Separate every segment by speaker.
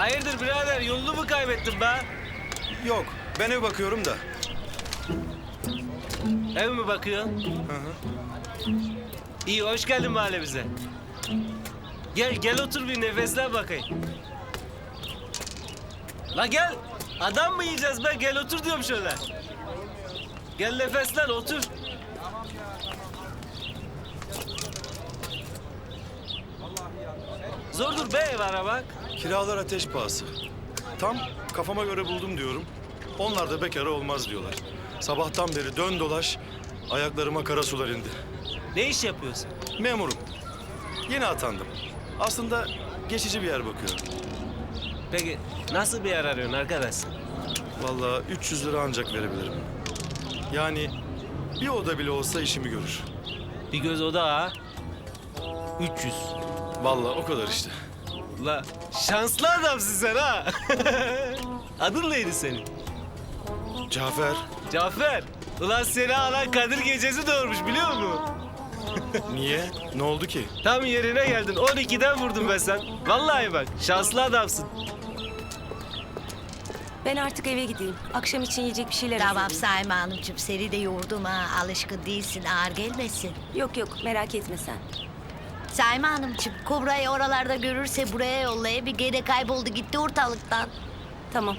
Speaker 1: Hayırdır birader, yolunu mu kaybettin be?
Speaker 2: Yok, ben ev bakıyorum da.
Speaker 1: Ev mi bakıyorsun? İyi, hoş geldin mahallemize. Gel otur bir nefeslen bakayım. La gel, adam mı yiyeceğiz be? Gel otur diyorum şöyle. Gel nefeslen, otur. Zordur be ev aramak.
Speaker 2: Kiralar ateş pahası. Tam kafama göre buldum diyorum. Onlar da bekara olmaz diyorlar. Sabahtan beri dön dolaş, ayaklarıma kara sular indi.
Speaker 1: Ne iş yapıyorsun?
Speaker 2: Memurum. Yeni atandım. Aslında geçici bir yer bakıyorum.
Speaker 1: Peki nasıl bir yer arıyorsun arkadaş?
Speaker 2: Vallahi 300 lira ancak verebilirim. Yani bir oda bile olsa işimi görür.
Speaker 1: Bir göz oda ha. 300.
Speaker 2: Vallahi o kadar işte.
Speaker 1: La şanslı adamsın sen ha. Adın neydi senin?
Speaker 2: Cafer,
Speaker 1: Cafer. Ulan seni alan Kadir Gecesi doğurmuş biliyor musun?
Speaker 2: niye? Ne oldu ki?
Speaker 1: Tam yerine geldin. 12'den vurdum ben sen. Vallahi bak şanslı adamsın.
Speaker 3: Ben artık eve gideyim. Akşam için yiyecek bir şeyler
Speaker 4: Tamam
Speaker 3: hazırlayayım.
Speaker 4: Saime Hanımcığım, seni de yordum ha. Alışkın değilsin, ağır gelmesin.
Speaker 3: Yok merak etme sen.
Speaker 4: Saime Hanımcığım, Kubra'yı oralarda görürse buraya yollaya, bir gene kayboldu gitti ortalıktan.
Speaker 3: Tamam.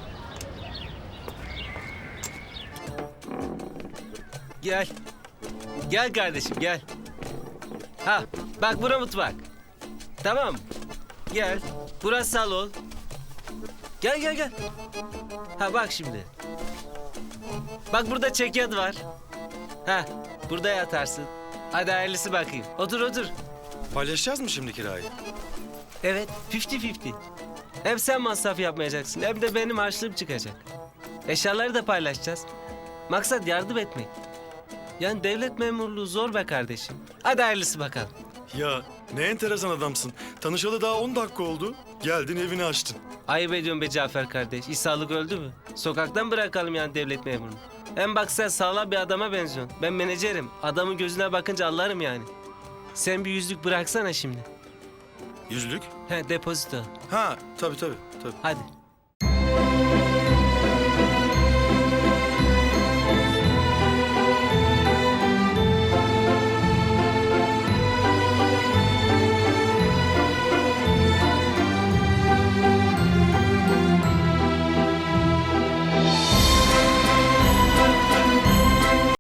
Speaker 1: Gel. Gel kardeşim gel. Ha bak bura mutfak. Tamam mı? Gel. Burası salon. Gel. Ha bak şimdi. Bak burada çekyat var. Ha burada yatarsın. Hadi hayırlısı bakayım. Otur.
Speaker 2: Paylaşacağız mı şimdi kirayı?
Speaker 1: Evet 50-50. Hem sen masraf yapmayacaksın hem de benim harçlığım çıkacak. Eşyaları da paylaşacağız. Maksat yardım etmek. Yani devlet memurluğu zor be kardeşim. Hadi hayırlısı bakalım.
Speaker 2: Ya ne enteresan adamsın. Tanışalı daha 10 dakika oldu. Geldin evini açtın.
Speaker 1: Ayıp ediyorsun be Cafer kardeş. İsa'lık öldü mü? Sokaktan bırakalım yani devlet memurunu. Hem bak sen sağlam bir adama benziyorsun. Ben menajerim. Adamın gözüne bakınca anlarım yani. Sen bir yüzlük bıraksana şimdi.
Speaker 2: Yüzlük?
Speaker 1: He depozito.
Speaker 2: Ha tabii.
Speaker 1: Hadi.